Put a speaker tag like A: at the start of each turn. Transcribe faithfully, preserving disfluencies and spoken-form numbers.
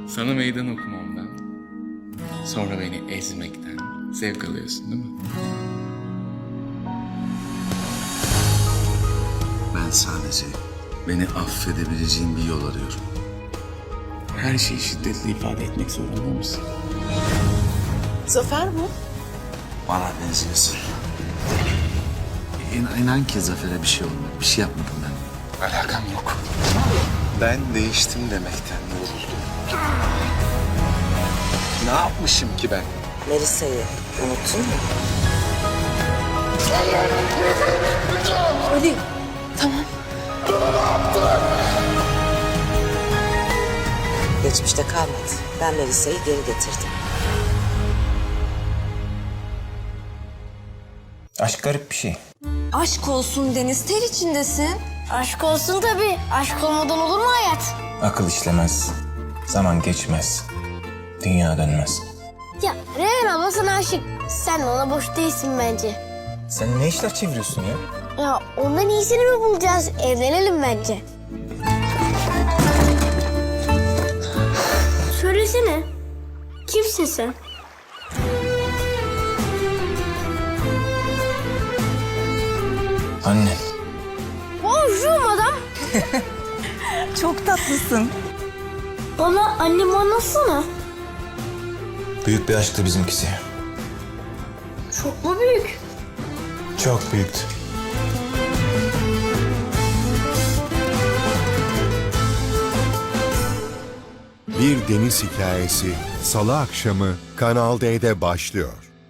A: Sana meydan okumamdan, sonra beni ezmekten zevk alıyorsun değil mi?
B: Ben sadece beni affedebileceğin bir yol arıyorum.
A: Her şeyi şiddetle ifade etmek zorunda mısın?
C: Zafer bu.
B: Bana benziyorsun. İnan, inan ki Zafer'e bir şey olmadı. Bir şey yapmadım ben.
A: Alakam yok.
B: Ben değiştim demekten yoruldum. Ne yapmışım ki ben?
C: Melisa'yı unuttun mu?
D: Ali, tamam.
C: Geçmişte kalmadı. Ben Melisa'yı geri getirdim.
E: Aşk garip bir şey.
D: Aşk olsun Deniz, ter içindesin.
F: Aşk olsun tabii. Aşk olmadan olur mu hayat?
E: Akıl işlemez, zaman geçmez, dünya dönmez.
F: Ya Reyhan abla sana aşık. Sen de ona boş değilsin bence.
E: Sen ne işler çeviriyorsun ya?
F: Ya ondan iyisini mi bulacağız? Evlenelim bence. Söylesene. Kimsin sen?
E: Anne.
F: Bonjour madam.
D: Çok tatlısın.
F: Bana annemi anlatsana.
E: Büyük bir aşktı bizimkisi.
F: Çok mu büyük?
E: Çok büyüktü.
G: Bir Deniz Hikayesi Salı akşamı Kanal D'de başlıyor.